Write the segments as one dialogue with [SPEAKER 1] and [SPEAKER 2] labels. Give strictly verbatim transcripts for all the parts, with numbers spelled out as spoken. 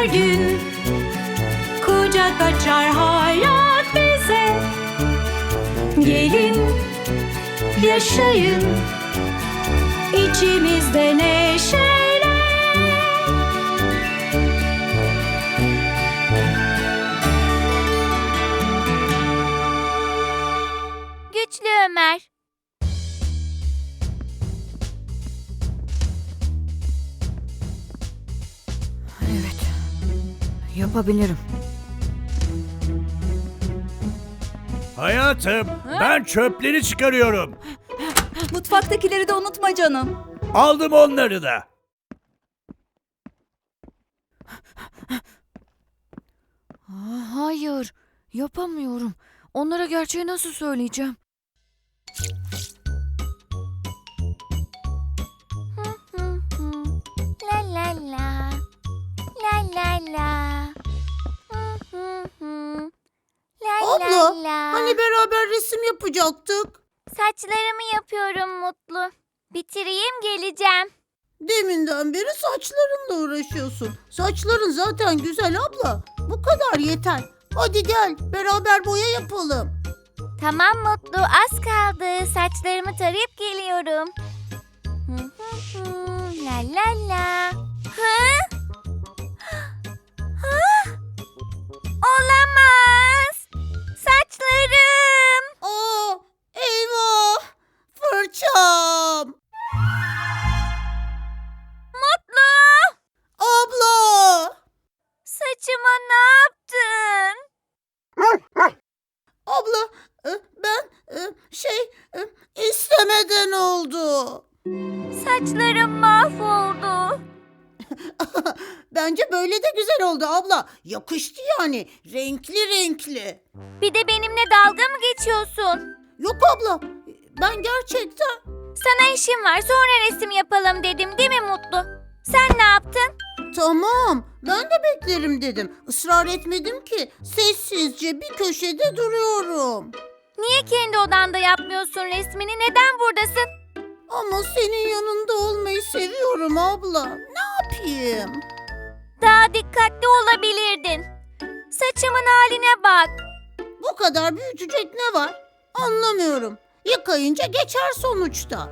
[SPEAKER 1] her gün kucak açar hayat bize. Gelin yaşayın içimizde neşeyle.
[SPEAKER 2] Güçlü Ömer.
[SPEAKER 3] Evet. Yapabilirim.
[SPEAKER 4] Hayatım, ben çöpleri çıkarıyorum.
[SPEAKER 5] Mutfaktakileri de unutma canım.
[SPEAKER 4] Aldım onları da.
[SPEAKER 3] Aa, hayır. Yapamıyorum. Onlara gerçeği nasıl söyleyeceğim?
[SPEAKER 2] Hı hı. La la la. La la la. Hı hı hı. La
[SPEAKER 6] Abla,
[SPEAKER 2] la la.
[SPEAKER 6] hani beraber resim yapacaktık?
[SPEAKER 2] Saçlarımı yapıyorum Mutlu. Bitireyim geleceğim.
[SPEAKER 6] Deminden beri saçlarınla uğraşıyorsun. Saçların zaten güzel abla. Bu kadar yeter. Hadi gel beraber boya yapalım.
[SPEAKER 2] Tamam Mutlu, az kaldı. Saçlarımı tarayıp geliyorum. Hı hı hı. La la la. Hı? Hı? Olamaz. Saçlarım.
[SPEAKER 6] Aa, eyvah! Fırçam!
[SPEAKER 2] Mutlu.
[SPEAKER 6] Abla!
[SPEAKER 2] Saçıma ne yaptın?
[SPEAKER 6] Abla, e, ben e, şey e, istemeden oldu.
[SPEAKER 2] Saçlarım mahvoldu.
[SPEAKER 6] Bence böyle de güzel oldu abla. Yakıştı yani. Renkli renkli.
[SPEAKER 2] Bir de benimle dalga mı geçiyorsun?
[SPEAKER 6] Yok abla. Ben gerçekten...
[SPEAKER 2] Sana işim var, sonra resim yapalım dedim, değil mi Mutlu? Sen ne yaptın?
[SPEAKER 6] Tamam. Ben de beklerim dedim. Israr etmedim ki. Sessizce bir köşede duruyorum.
[SPEAKER 2] Niye kendi odanda yapmıyorsun resmini? Neden buradasın?
[SPEAKER 6] Ama senin yanında olmayı seviyorum abla. Ne yapayım?
[SPEAKER 2] Daha dikkatli olabilirdin. Saçımın haline bak.
[SPEAKER 6] Bu kadar büyütecek ne var? Anlamıyorum. Yıkayınca geçer sonuçta.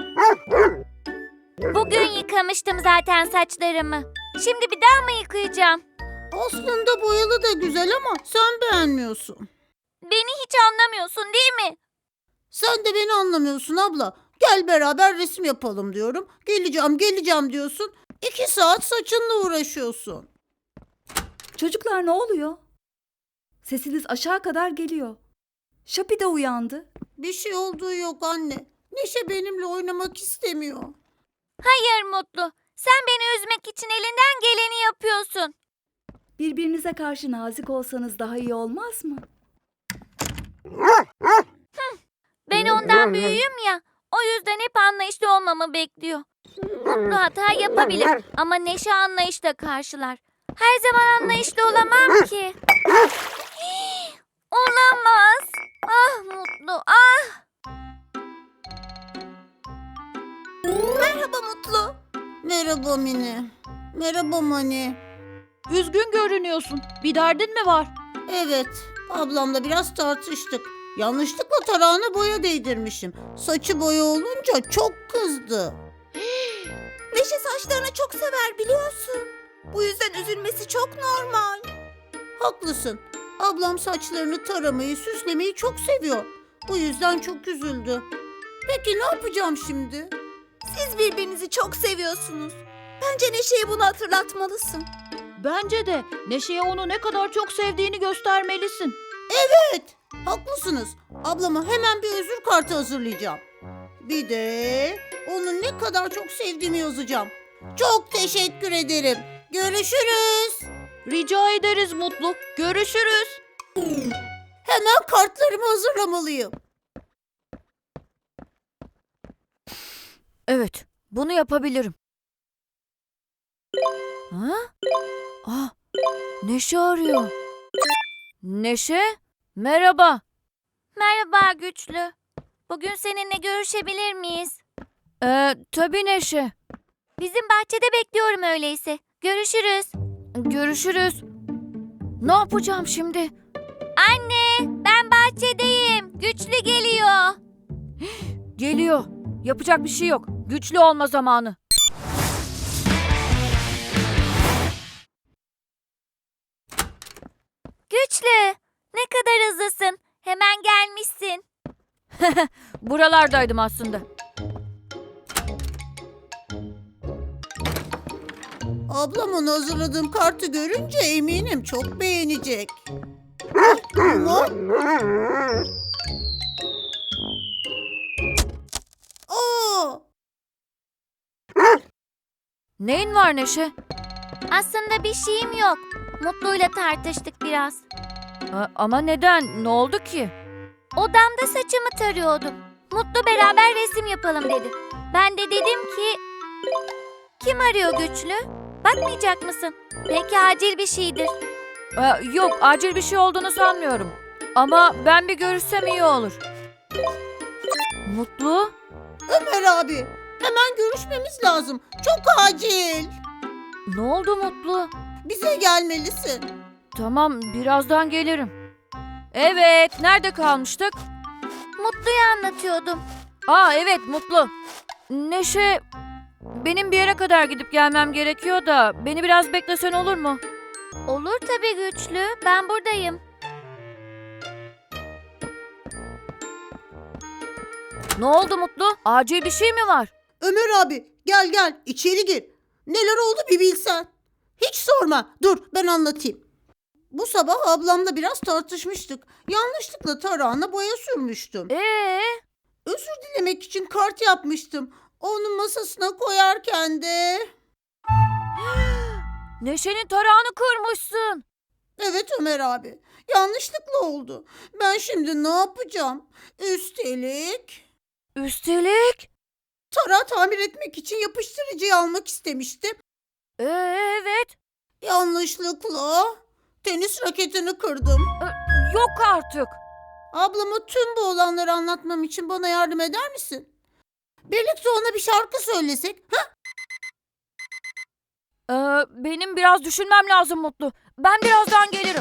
[SPEAKER 2] Bugün yıkamıştım zaten saçlarımı. Şimdi bir daha mı yıkayacağım?
[SPEAKER 6] Aslında boyalı da güzel ama sen beğenmiyorsun.
[SPEAKER 2] Beni hiç anlamıyorsun değil mi?
[SPEAKER 6] Sen de beni anlamıyorsun abla. Gel beraber resim yapalım diyorum. Geleceğim geleceğim diyorsun. İki saat saçınla uğraşıyorsun.
[SPEAKER 5] Çocuklar ne oluyor? Sesiniz aşağı kadar geliyor. Şapi de uyandı.
[SPEAKER 6] Bir şey olduğu yok anne. Neşe benimle oynamak istemiyor.
[SPEAKER 2] Hayır Mutlu. Sen beni üzmek için elinden geleni yapıyorsun.
[SPEAKER 5] Birbirinize karşı nazik olsanız daha iyi olmaz mı?
[SPEAKER 2] Ben ondan büyüğüm ya. O yüzden hep anlayışlı olmamı bekliyor. Mutlu hata yapabilir ama Neşe anlayışla karşılar. Her zaman anlayışlı olamam ki. Hii, olamaz. Ah Mutlu, ah.
[SPEAKER 6] Merhaba Mutlu. Merhaba Mine. Merhaba Mani.
[SPEAKER 3] Üzgün görünüyorsun. Bir derdin mi var?
[SPEAKER 6] Evet, ablamla biraz tartıştık. Yanlışlıkla tarağına boya değdirmişim. Saçı boya olunca çok kızdı. Neşe saçlarını çok sever biliyorsun. Bu yüzden üzülmesi çok normal. Haklısın. Ablam saçlarını taramayı, süslemeyi çok seviyor. Bu yüzden çok üzüldü. Peki ne yapacağım şimdi? Siz birbirinizi çok seviyorsunuz. Bence Neşe'ye bunu hatırlatmalısın.
[SPEAKER 3] Bence de Neşe'ye onu ne kadar çok sevdiğini göstermelisin.
[SPEAKER 6] Evet, haklısınız. Ablama hemen bir özür kartı hazırlayacağım. Bir de onu ne kadar çok sevdiğimi yazacağım. Çok teşekkür ederim. Görüşürüz.
[SPEAKER 3] Rica ederiz Mutlu. Görüşürüz.
[SPEAKER 6] Hemen kartlarımı hazırlamalıyım.
[SPEAKER 3] Evet, bunu yapabilirim. Ha? Ah, Neşe arıyor. Neşe, merhaba.
[SPEAKER 2] Merhaba Güçlü. Bugün seninle görüşebilir miyiz?
[SPEAKER 3] Ee, tabii Neşe.
[SPEAKER 2] Bizim bahçede bekliyorum öyleyse. Görüşürüz.
[SPEAKER 3] Görüşürüz. Ne yapacağım şimdi?
[SPEAKER 2] Anne, ben bahçedeyim. Güçlü geliyor.
[SPEAKER 3] Geliyor. Yapacak bir şey yok. Güçlü olma zamanı.
[SPEAKER 2] Güçlü, ne kadar hızlısın. Hemen gelmişsin.
[SPEAKER 3] Buralardaydım aslında.
[SPEAKER 6] Ablamın hazırladığım kartı görünce eminim çok beğenecek. Ama... Aa!
[SPEAKER 3] Neyin var Neşe?
[SPEAKER 2] Aslında bir şeyim yok. Mutlu'yla tartıştık biraz.
[SPEAKER 3] A- ama neden? Ne oldu ki?
[SPEAKER 2] Odamda saçımı tarıyordum. Mutlu beraber resim yapalım dedi. Ben de dedim ki... Kim arıyor Güçlü? Bakmayacak mısın? Belki acil bir şeydir.
[SPEAKER 3] Aa, yok, acil bir şey olduğunu sanmıyorum. Ama ben bir görüşsem iyi olur. Mutlu?
[SPEAKER 6] Ömer abi, hemen görüşmemiz lazım. Çok acil.
[SPEAKER 3] Ne oldu Mutlu?
[SPEAKER 6] Bize gelmelisin.
[SPEAKER 3] Tamam, birazdan gelirim. Evet, nerede kalmıştık?
[SPEAKER 2] Mutlu'ya anlatıyordum.
[SPEAKER 3] Aa evet, Mutlu. Neşe, benim bir yere kadar gidip gelmem gerekiyor da beni biraz beklesen olur mu?
[SPEAKER 2] Olur tabii Güçlü. Ben buradayım.
[SPEAKER 3] Ne oldu Mutlu? Acil bir şey mi var?
[SPEAKER 6] Ömer abi, gel gel içeri gir. Neler oldu bir bilsen. Hiç sorma. Dur ben anlatayım. Bu sabah ablamla biraz tartışmıştık. Yanlışlıkla tarağına boya sürmüştüm.
[SPEAKER 3] Ee?
[SPEAKER 6] Özür dilemek için kart yapmıştım. Onun masasına koyarken de...
[SPEAKER 3] Neşe'nin tarağını kırmışsın.
[SPEAKER 6] Evet Ömer abi. Yanlışlıkla oldu. Ben şimdi ne yapacağım? Üstelik
[SPEAKER 3] Üstelik?
[SPEAKER 6] tarağı tamir etmek için yapıştırıcıyı almak istemiştim.
[SPEAKER 3] Ee, evet.
[SPEAKER 6] Yanlışlıkla tenis raketini kırdım.
[SPEAKER 3] Yok artık.
[SPEAKER 6] Ablama tüm bu olanları anlatmam için bana yardım eder misin? Birlikte ona bir şarkı söylesek. Ha?
[SPEAKER 3] Ee, benim biraz düşünmem lazım Mutlu. Ben birazdan gelirim.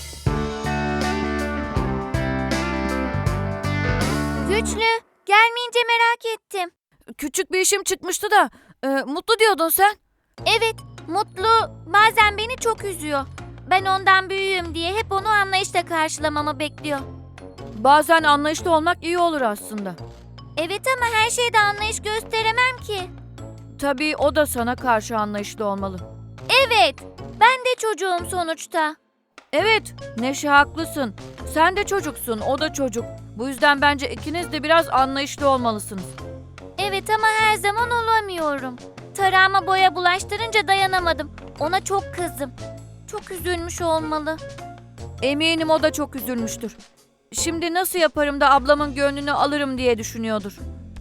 [SPEAKER 2] Güçlü, gelmeyince merak ettim.
[SPEAKER 3] Küçük bir işim çıkmıştı da. e, Mutlu diyordun sen.
[SPEAKER 2] Evet, Mutlu bazen beni çok üzüyor. Ben ondan büyüğüm diye hep onu anlayışla karşılamamı bekliyor.
[SPEAKER 3] Bazen anlayışlı olmak iyi olur aslında.
[SPEAKER 2] Evet ama her şeyde anlayış gösteremem ki.
[SPEAKER 3] Tabii o da sana karşı anlayışlı olmalı.
[SPEAKER 2] Evet, ben de çocuğum sonuçta.
[SPEAKER 3] Evet, Neşe haklısın. Sen de çocuksun, o da çocuk. Bu yüzden bence ikiniz de biraz anlayışlı olmalısınız.
[SPEAKER 2] Evet ama her zaman olamıyorum. Tarağıma boya bulaştırınca dayanamadım. Ona çok kızdım. Çok üzülmüş olmalı.
[SPEAKER 3] Eminim o da çok üzülmüştür. Şimdi nasıl yaparım da ablamın gönlünü alırım diye düşünüyordur.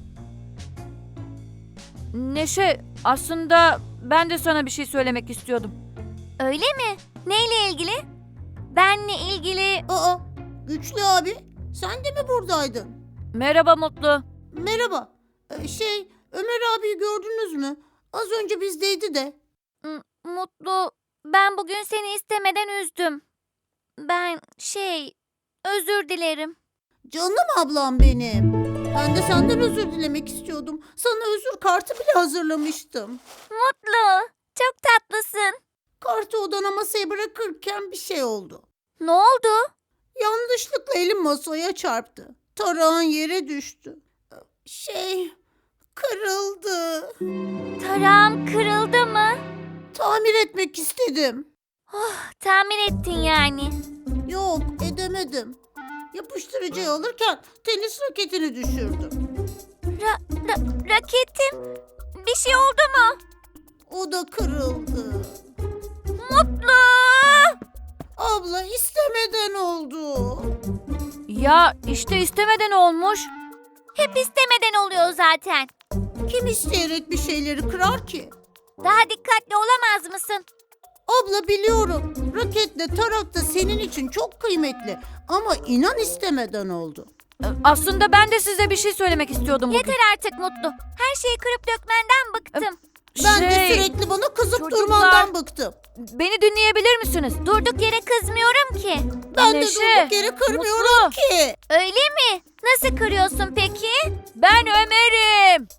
[SPEAKER 3] Neşe, aslında ben de sana bir şey söylemek istiyordum.
[SPEAKER 2] Öyle mi? Neyle ilgili? Benle ilgili...
[SPEAKER 6] Aa, Güçlü abi, sen de mi buradaydın?
[SPEAKER 3] Merhaba Mutlu.
[SPEAKER 6] Merhaba. Ee, şey, Ömer abiyi gördünüz mü? Az önce bizdeydi de.
[SPEAKER 2] M- Mutlu, ben bugün seni istemeden üzdüm. Ben şey, özür dilerim.
[SPEAKER 6] Canım ablam benim. Ben de senden özür dilemek istiyordum. Sana özür kartı bile hazırlamıştım.
[SPEAKER 2] Mutlu, çok tatlısın.
[SPEAKER 6] Kartı odana masaya bırakırken bir şey oldu.
[SPEAKER 2] Ne oldu?
[SPEAKER 6] Yanlışlıkla elim masaya çarptı. Tarağın yere düştü. Şey, kırıldı.
[SPEAKER 2] Tarağım kırıldı mı?
[SPEAKER 6] Tamir etmek istedim.
[SPEAKER 2] Tamir ettin yani.
[SPEAKER 6] Yok, edemedim. Yapıştırıcıyı alırken tenis raketini düşürdüm.
[SPEAKER 2] Ra- ra- raketim, bir şey oldu mu?
[SPEAKER 6] O da kırıldı.
[SPEAKER 2] Mutlu!
[SPEAKER 6] Abla istemeden oldu.
[SPEAKER 3] Ya işte istemeden olmuş.
[SPEAKER 2] Hep istemeden oluyor zaten.
[SPEAKER 6] Kim isteyerek bir şeyleri kırar ki?
[SPEAKER 2] Daha dikkatli olamaz mısın?
[SPEAKER 6] Abla biliyorum. Raketle tarak da senin için çok kıymetli. Ama inan istemeden oldu.
[SPEAKER 3] Aslında ben de size bir şey söylemek istiyordum bugün.
[SPEAKER 2] Yeter artık Mutlu. Her şeyi kırıp dökmenden bıktım.
[SPEAKER 6] Ben de
[SPEAKER 3] Şey,
[SPEAKER 6] sürekli bana kızıp
[SPEAKER 3] çocuklar-
[SPEAKER 6] durmandan bıktım.
[SPEAKER 3] beni dinleyebilir misiniz?
[SPEAKER 2] Durduk yere kızmıyorum ki.
[SPEAKER 6] Ben de
[SPEAKER 3] Neşe,
[SPEAKER 6] durduk yere kırmıyorum
[SPEAKER 3] Mutlu.
[SPEAKER 6] ki.
[SPEAKER 2] Öyle mi? Nasıl kırıyorsun peki?
[SPEAKER 3] Ben Ömer'im.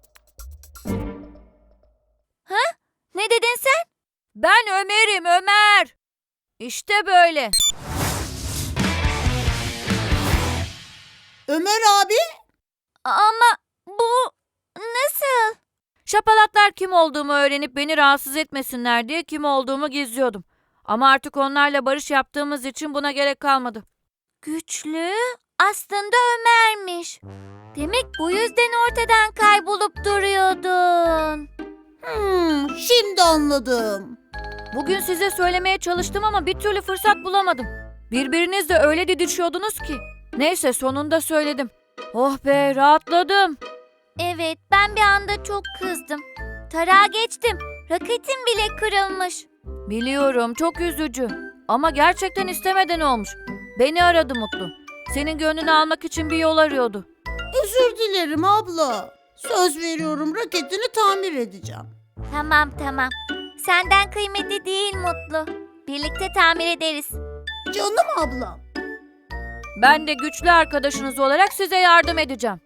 [SPEAKER 2] Ne dedin sen?
[SPEAKER 3] Ben Ömer'im, Ömer. İşte böyle.
[SPEAKER 6] Ömer abi,
[SPEAKER 2] Ama bu nasıl?
[SPEAKER 3] Şapalatlar kim olduğumu öğrenip beni rahatsız etmesinler diye kim olduğumu gizliyordum. Ama artık onlarla barış yaptığımız için buna gerek kalmadı.
[SPEAKER 2] Güçlü aslında Ömer'miş. Demek bu yüzden ortadan kaybolup duruyordun.
[SPEAKER 6] hmm, şimdi anladım.
[SPEAKER 3] Bugün size söylemeye çalıştım ama bir türlü fırsat bulamadım. Birbirinizle öyle didişiyordunuz ki. Neyse sonunda söyledim. Oh be rahatladım.
[SPEAKER 2] Evet, ben bir anda çok kızdım. Tarağa geçtim. Raketim bile kırılmış.
[SPEAKER 3] Biliyorum çok üzücü. Ama gerçekten istemeden olmuş. Beni aradı Mutlu. Senin gönlünü almak için bir yol arıyordu.
[SPEAKER 6] Özür dilerim abla. Söz veriyorum raketini tamir edeceğim.
[SPEAKER 2] Tamam tamam. Senden kıymetli değil Mutlu. Birlikte tamir ederiz.
[SPEAKER 6] Canım ablam.
[SPEAKER 3] Ben de güçlü arkadaşınız olarak size yardım edeceğim.